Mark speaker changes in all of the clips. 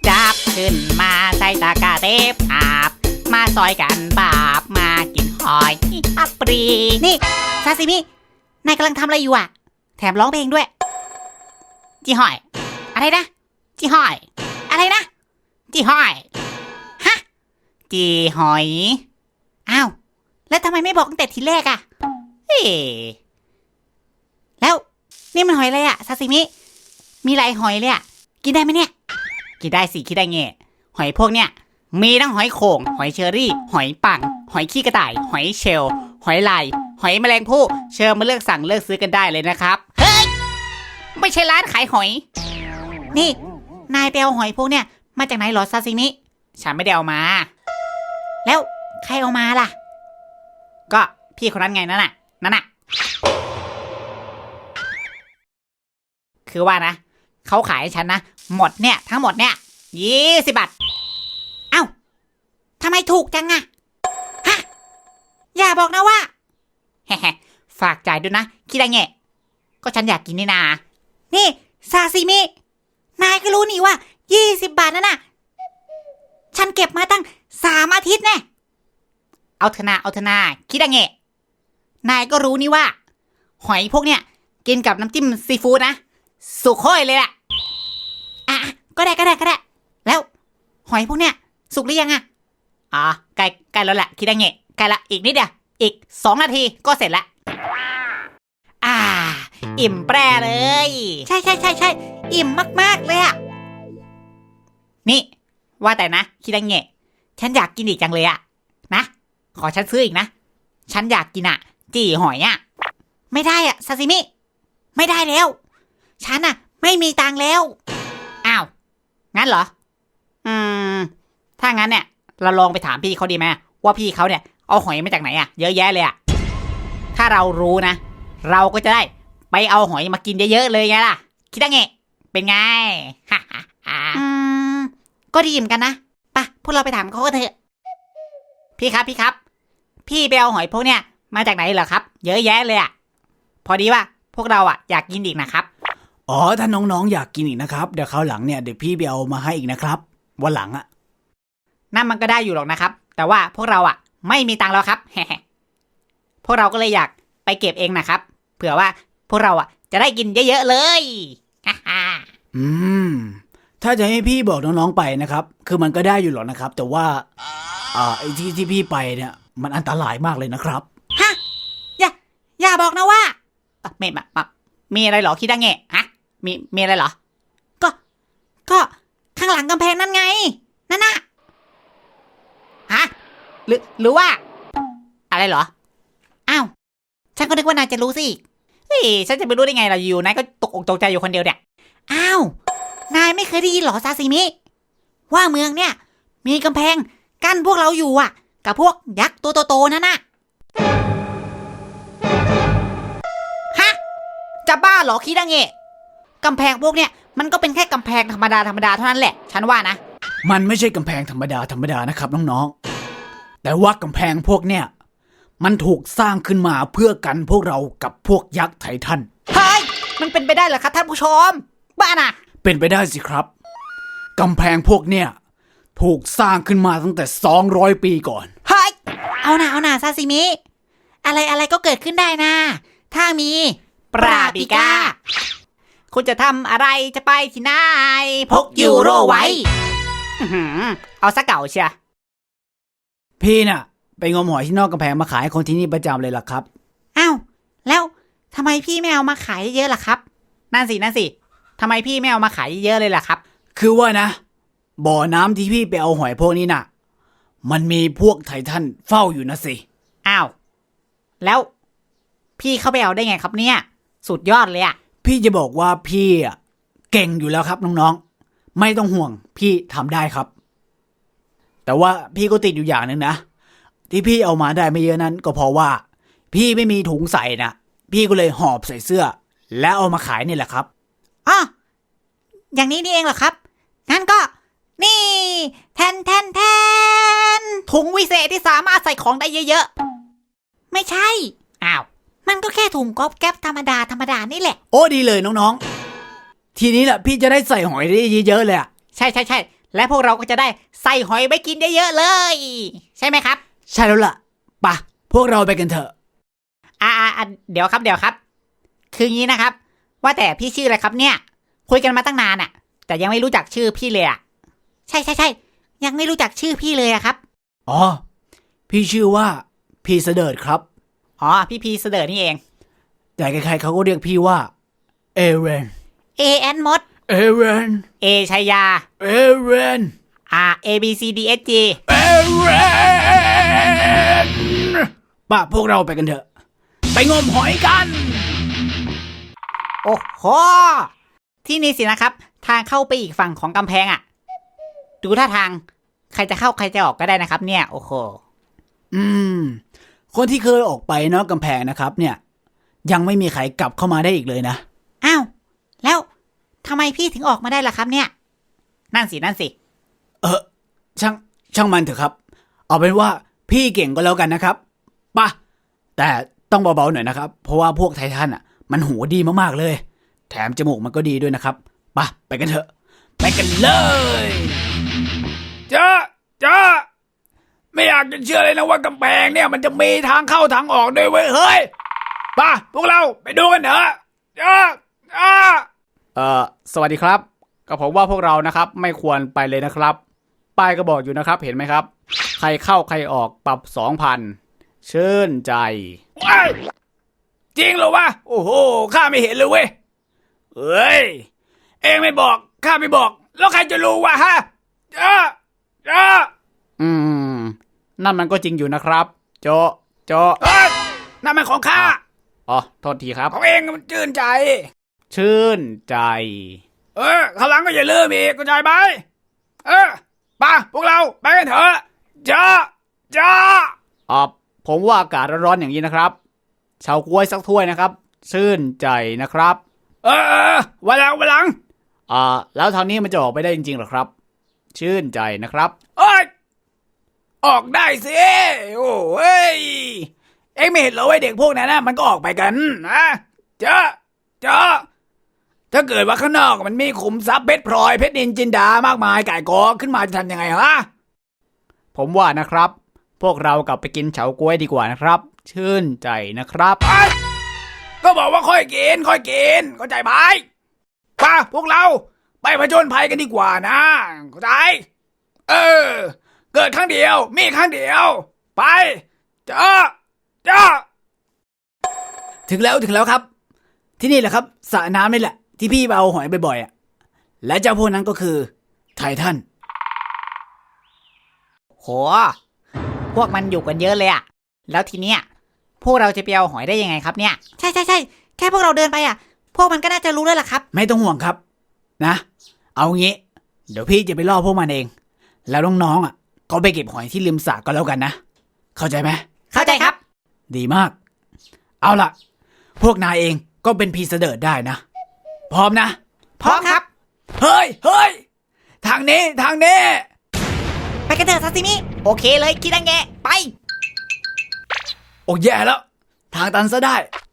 Speaker 1: จับขึ้นมาใส่ตะกร้าเทปอาบมาซอยกันบาบมากินหอยอัปรีนี่ซาซิมินายกำลังทำอะไรอยู่อ่ะแถมร้องเพลงด้วยจีหอยอะไรนะจีหอยอะไรนะจีหอยฮะจีหอยอ้าวแล้วทำไมไม่บอกตั้งแต่ทีแรกอ่ะเอ๊แล้วนี่มันหอยอะไรอ่ะซาซิมิมีหลายหอยเลยอ่ะกินได้ไหมเนี่ยกินได้สิคิดได้ไงหอยพวกเนี้ยมีทั้งหอยโข่งหอยเชอรี่หอยปังหอยขี้กระต่ายหอยเชลล์หอยลายหอยแมลงภู่เชิญมาเลือกสั่งเลือกซื้อกันได้เลยนะครับเฮ้ยไม่ใช่ร้านขายหอยนี่นายไปเอาหอยพวกเนี้ยมาจากไหนหรอซาซิมิฉันไม่ได้เอามาแล้วใครเอามาล่ะก็พี่คนนั้นไงนั่นน่ะคือว่านะเขาขายให้ฉันนะหมดเนี่ยทั้งหมดเนี่ย20 บาทเอ้าทำไมถูกจังอะฮะอย่าบอกนะว่าแฮฝากจ่ายด้วยนะคิดได้ไงก็ฉันอยากกินนี่นานี่ซาซิมินายก็รู้นี่ว่า20 บาทนั่นน่ะฉันเก็บมาตั้ง3 อาทิตย์แน่เอาเถอะนาคิดได้ไงนายก็รู้นี่ว่าหอยพวกเนี้ยกินกับน้ำจิ้มซีฟู้ดนะสุกโค่อยเลยแหละอ่ะก็ได้แล้วหอยพวกเนี้ยสุกหรือยังอ่ะอ๋อใกล้แล้วแหละคิดได้ไงใกล้ละอีกนิดเดียวอีก2 นาทีก็เสร็จละอิ่มแปรเลยใช่อิ่มมากๆเลยอ่ะนี่ว่าแต่นะคิดได้ไงฉันอยากกินอีกจังเลยอ่ะนะขอฉันซื้ออีกนะฉันอยากกินอ่ะจี่หอยอ่ะไม่ได้อ่ะซาซิมิไม่ได้แล้วฉันอ่ะไม่มีตังค์แล้วอ้าวงั้นเหรอถ้างั้นเนี่ยเราลองไปถามพี่เขาดีไหมว่าพี่เขาเนี่ยเอาหอยมาจากไหนอ่ะเยอะแยะเลยอ่ะถ้าเรารู้นะเราก็จะได้ไปเอาหอยมากินเยอะๆเลยไงล่ะคิดได้ไงเป็นไง ก็ดีเหมือนกันนะไปพวกเราไปถามเขากันเถอะพี่ครับพี่ไปเอาหอยพวกเนี้ยมาจากไหนเหรอครับเยอะแยะเลยอ่ะพอดีว่าพวกเราอ่ะอยากกินอีกนะครับ
Speaker 2: อ๋อถ้าน้องๆอยากกินอีกนะครับเดี๋ยวคราวหลังเนี่ยเดี๋ยวพี่ไปเอามาให้อีกนะครับวันหลังอ่ะ
Speaker 1: นั่นมันก็ได้อยู่หรอกนะครับแต่ว่าพวกเราอ่ะไม่มีตังค์แล้วครับพวกเราก็เลยอยากไปเก็บเองนะครับเผื่อว่าพวกเราอ่ะจะได้กินเยอะๆเลย
Speaker 2: ถ้าจะให้พี่บอกน้องๆไปนะครับคือมันก็ได้อยู่หรอกนะครับแต่ว่าไอ้ที่พี่ไปเนี่ยมันอันตรายมากเลยนะครับ
Speaker 1: ฮะอย่าบอกนะว่ามีอะไรหรอคิดได้ไงฮะมีอะไรหรอก็ข้างหลังกำแพงนั่นไงนั่นน่ะฮะหรือว่าอะไรเหรออ้าวฉันก็นึกว่านายจะรู้สิเฮ้ยฉันจะไปรู้ได้ไงล่ะอยู่นายก็ตกอกตกใจอยู่คนเดียวเนี่ยอ้าวนายไม่เคยได้ยินหรอซาซิมิว่าเมืองเนี่ยมีกำแพงกั้นพวกเราอยู่อ่ะกับพวกยักษ์ตัวโตๆนั่นน่ะฮะจะบ้าเหรอคิดได้ไงกำแพงพวกเนี่ยมันก็เป็นแค่กำแพงธรรมดาเท่านั้นแหละฉันว่านะ
Speaker 2: มันไม่ใช่กำแพงธรรมดานะครับน้องๆแต่ว่ากำแพงพวกเนี่ยมันถูกสร้างขึ้นมาเพื่อกันพวกเรากับพวกยักษ์ไททัน
Speaker 1: เฮ้ยมันเป็นไปได้เหรอครับท่านผู้ชมบ้าน่ะ
Speaker 2: เป็นไปได้สิครับกำแพงพวกเนี่ยถูกสร้างขึ้นมาตั้งแต่200 ปีก่อน
Speaker 1: เฮ้ยเอาหน่าซาซิมิอะไรก็เกิดขึ้นได้นะถ้ามีปราบิก้าคุณจะทำอะไรจะไปที่ไหนพกยูโรไว้เอาซะเก่าเชีย
Speaker 2: พี่น่ะไปงมหอยที่นอกกำแพงมาขายให้คนที่นี่ประจำเลยล่ะครับ
Speaker 1: อ้าวแล้วทำไมพี่ไม่เอามาขายเยอะล่ะครับนั่นสิทำไมพี่ไม่เอามาขายเยอะเลยล่ะครับ
Speaker 2: คือว่านะบ่อน้ำที่พี่ไปเอาหอยพวกนี้น่ะมันมีพวกไททันเฝ้าอยู่นะสิ
Speaker 1: อ้าวแล้วพี่เข้าไปเอาได้ไงครับเนี่ยสุดยอดเลยอ่ะ
Speaker 2: พี่จะบอกว่าพี่เก่งอยู่แล้วครับน้องๆไม่ต้องห่วงพี่ทำได้ครับแต่ว่าพี่ก็ติดอยู่อย่างนึงนะที่พี่เอามาได้ไม่เยอะนั้นก็เพราะว่าพี่ไม่มีถุงใส่นะพี่ก็เลยหอบใส่เสื้อแล้วเอามาขายนี่แหละครับ
Speaker 1: อ๋ออย่างนี้นี่เองเหรอครับงั้นก็นี่แทนถุงวิเศษที่สามารถใส่ของได้เยอะๆไม่ใช่อ้าวมันก็แค่ถุงก๊อบแก๊บธรรมดานี่แหละ
Speaker 2: โอ้ดีเลยน้องๆทีนี้แหละพี่จะได้ใส่หอยได้เยอะๆเลยอ่ะ
Speaker 1: ใช่และพวกเราก็จะได้ใส่หอยไปกินเยอะๆเลย ใช่ไหมครับ
Speaker 2: ใช่แล้วล่ะไปะพวกเราไปกันเถอะ
Speaker 1: เดี๋ยวครับ คืองี้นะครับ ว่าแต่พี่ชื่ออะไรครับเนี่ย คุยกันมาตั้งนานอะแต่ยังไม่รู้จักชื่อพี่เลยอะใช่ยังไม่รู้จักชื่อพี่เลยอะครับ
Speaker 2: อ๋อพี่ชื่อว่าพี่เสดิร์ดครับ
Speaker 1: อ๋อพี่พีเสดอนี่เอง
Speaker 2: แต่ใครๆเขาก็เรียกพี่ว่าเอเรน
Speaker 1: A แอนมด
Speaker 2: เอเรน
Speaker 1: A ชัยยา
Speaker 2: เอเรน
Speaker 1: A B C D S G
Speaker 2: เอเรนป่ะพวกเราไปกันเถอะไปงมหอยกัน
Speaker 1: โอ้โหที่นี่สินะครับ ทางเข้าไปอีกฝั่งของกำแพงอะดูท่าทางใครจะเข้าใครจะออกก็ได้นะครับเนี่ยโอ้โห
Speaker 2: คนที่เคยออกไปนอกกำแพงนะครับเนี่ยยังไม่มีใครกลับเข้ามาได้อีกเลยนะ
Speaker 1: อ้าวแล้วทำไมพี่ถึงออกมาได้ล่ะครับเนี่ยนั่นสิ
Speaker 2: ช่างมันเถอะครับเอาเป็นว่าพี่เก่งก็แล้วกันนะครับป่ะแต่ต้องเบาๆหน่อยนะครับเพราะว่าพวกไททันอ่ะมันหูดีมากๆเลยแถมจมูกมันก็ดีด้วยนะครับป่ะไปกันเถอะไปกันเลยจ้าไม่อยากจะเชื่อเลยนะว่ากำแพงเนี่ยมันจะมีทางเข้าทางออกด้วยเว้ยเฮ้ยป่ะพวกเราไปดูกันเถอะจ้าสวัสดีครับก็ผมว่าพวกเรานะครับไม่ควรไปเลยนะครับป้ายก็บอกอยู่นะครับเห็นไหมครับใครเข้าใครออกปรับ 2,000 ชื่นใจจริงเหรอวะโอ้โหข้าไม่เห็นเลยเว้ยเอ้ยเองไม่บอกข้าไม่บอกแล้วใครจะรู้วะฮะนั่นมันก็จริงอยู่นะครับโจนั่นมันของข้าอ๋อโทษทีครับของเองมันชื่นใจข้างหลังก็อย่าลืมอีกเข้าใจไหมป่ะพวกเราไปกันเถอะจ้าผมว่าอากาศร้อนๆอย่างนี้นะครับเฉาก๊วยสักถ้วยนะครับชื่นใจนะครับวันหลังแล้วทางนี้มันจะออกไปได้จริงๆหรอครับชื่นใจนะครับออกได้สิโอ้ยเอ็งไม่เห็นเหรอไอ้เด็กพวกนั้นนะมันก็ออกไปกันนะจ้าถ้าเกิดว่าข้างนอกมันมีขุมทรัพย์เพชรพลอยเพชรนินจินดามากมายก่ายกองขึ้นมาจะทำยังไงฮะผมว่านะครับพวกเรากลับไปกินเฉาก๊วยดีกว่านะครับชื่นใจนะครับก็บอกว่าค่อยกินเข้าใจไหมป่ะพวกเราไปผจญภัยกันดีกว่านะเข้าใจเกิดครั้งเดียวมีครั้งเดียวไปจ้าถึงแล้วครับที่นี่แหละครับสระน้ำนี่แหละที่พี่ไปเอาหอยบ่อยๆอ่ะและเจ้าพวกนั้นก็คือไททัน
Speaker 1: โหพวกมันอยู่กันเยอะเลยอะแล้วทีเนี้ยพวกเราจะไปเอาหอยได้ยังไงครับเนี่ยใช่แค่พวกเราเดินไปอะพวกมันก็น่าจะรู้แล้วล่ะครับ
Speaker 2: ไม่ต้องห่วงครับนะเอางี้เดี๋ยวพี่จะไปล่อพวกมันเองแล้วน้องๆอ่ะก็ไปเก็บหอยที่ริมสระก็แล้วกันนะเข้าใจไหม
Speaker 1: เข้าใจครับ
Speaker 2: ดีมากเอาล่ะพวกนายเองก็เป็นพีเสดิร์ดได้นะพร้อมนะ
Speaker 1: พร้อมครับ
Speaker 2: เฮ้ยทางนี้
Speaker 1: ไปกันเถอะซาซิมิโอเคเลยคิดังแงไป
Speaker 2: โอ้แย่แล้วทางตันซะได้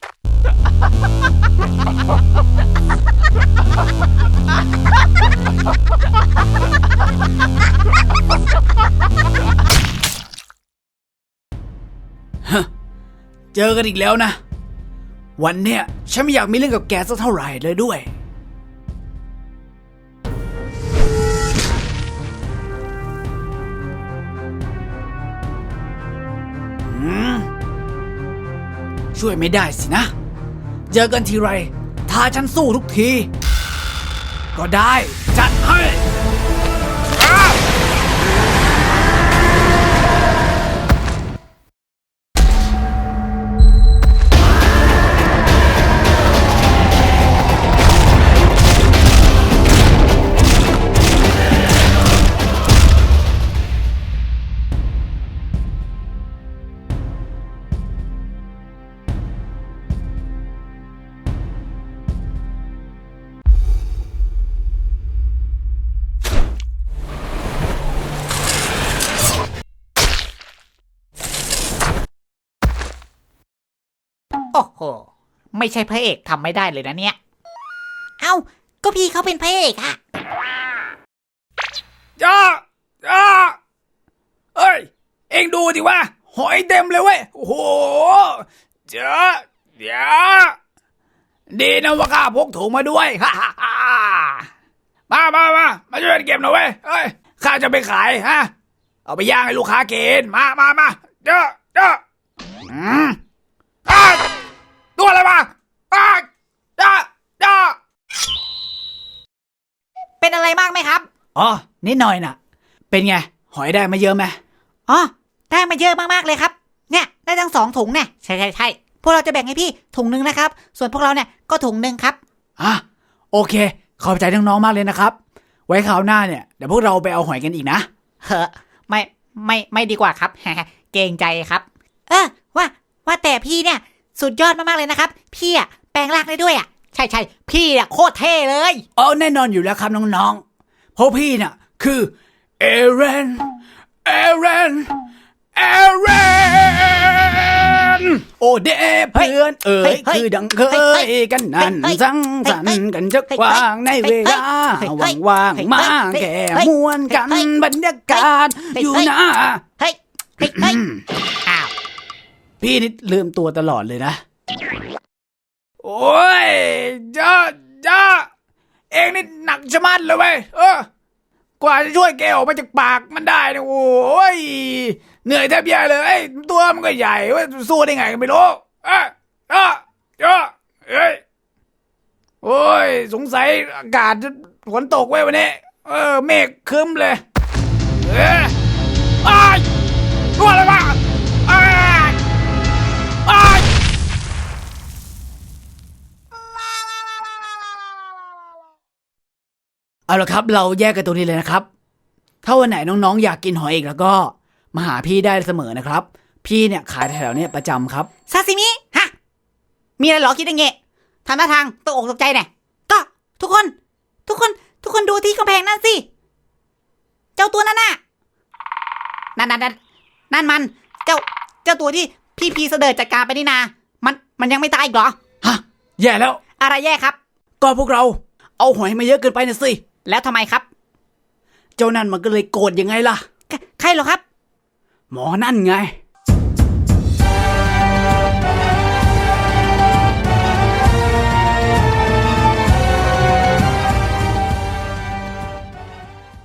Speaker 2: เจอกันอีกแล้วนะวันเนี้ยฉันไม่อยากมีเรื่องกับแกสักเท่าไหร่เลยด้วยช่วยไม่ได้สินะเจอกันทีไรท้าฉันสู้ทุกทีก็ได้จัดให้
Speaker 1: โอ้โหไม่ใช่พระเอกทำไม่ได้เลยนะเนี่ยเอ้าก็พี่เขาเป็นพระเอกอะ
Speaker 2: จ้องดูดิว่าหอยเต็มเลยเว้ยโอ้โหเดี๋ยวดีนะว่าข้าพกถุงมาด้วย ฮ่าฮ่าฮ่ามาช่วยกันเก็บหน่อยเว้ยเอ้ยข้าจะไปขายฮะเอาไปย่างให้ลูกค้ากินมาเจ้าตัวอะไรมาจ้า
Speaker 1: เป็นอะไรมากไหมครับ
Speaker 2: อ๋อนิดหน่อยน่ะเป็นไงหอยได้มาเยอะไหม
Speaker 1: อ๋อได้มาเยอะมากๆเลยครับเนี่ยได้ทั้ง2 ถุงเนี่ยใช่พวกเราจะแบ่งให้พี่ถุงนึงนะครับส่วนพวกเราเนี่ยก็ถุงนึงครับ
Speaker 2: โอเคขอบใจน้องๆมากเลยนะครับไว้คราวหน้าเนี่ยเดี๋ยวพวกเราไปเอาหอยกันอีกนะ
Speaker 1: เฮ้อไม่ดีกว่าครับ เกรงใจครับ ว่าแต่พี่เนี่ยสุดยอดมากๆเลยนะครับพี่อะแปลงร่างได้ด้วยอะใช่พี่อะโคตรเท่เลย
Speaker 2: แน่นอนอยู่แล้วครับน้องๆเพราะพี่น่ะคือเอเรนโอเดเพื่อนคือดังเคยกันนั่นสังสรรค์กันจะกว้างในเวลาว่างๆมาแก่มวนกันบรรยากาศอยู่นะ
Speaker 1: เฮ้ยอ้าว
Speaker 2: พี่นี่ลืมตัวตลอดเลยนะโอ้ยจ้าเองนี่หนักชะมัดเลยเว้ยกว่าจะช่วยแกออกมาจากปากมันได้นะโอ้ยเหนื่อยแทบแย่เลยตัวมันก็ใหญ่ว่าสู้ได้ไงก็ไม่รู้โอ้ยสงสัยอากาศฝนตกไว้วันนี้เมฆครึ้มเลยตัวอะไรวะเอาละครับเราแยกกันตรงนี้เลยนะครับถ้าวันไหนน้องๆอยากกินหอยอีกแล้วก็มาหาพี่ได้เสมอนะครับพี่เนี่ยขายแถวๆนี้ประจำครับ
Speaker 1: ซาซิมิฮะมีอะไรหรอคิดยังไงทำท่าทางตกอกตกใจเนี่ยก็ทุกคนดูที่กำแพงนั่นสิเจ้าตัวนั่นน่ะนั่นมันเจ้าตัวที่พี่พีเสด็จจัดการไปนี่นามันยังไม่ตายอีกเหรอ
Speaker 2: ฮะแย่แล้ว
Speaker 1: อะไรแย่ครับ
Speaker 2: ก็พวกเราเอาหอยมาเยอะเกินไปนะสิ
Speaker 1: แล้วทำไมครับ
Speaker 2: เจ้านั่นมันก็เลยโกรธยังไงล่ะ
Speaker 1: ใครเหรอครับ
Speaker 2: หมอนั่นไง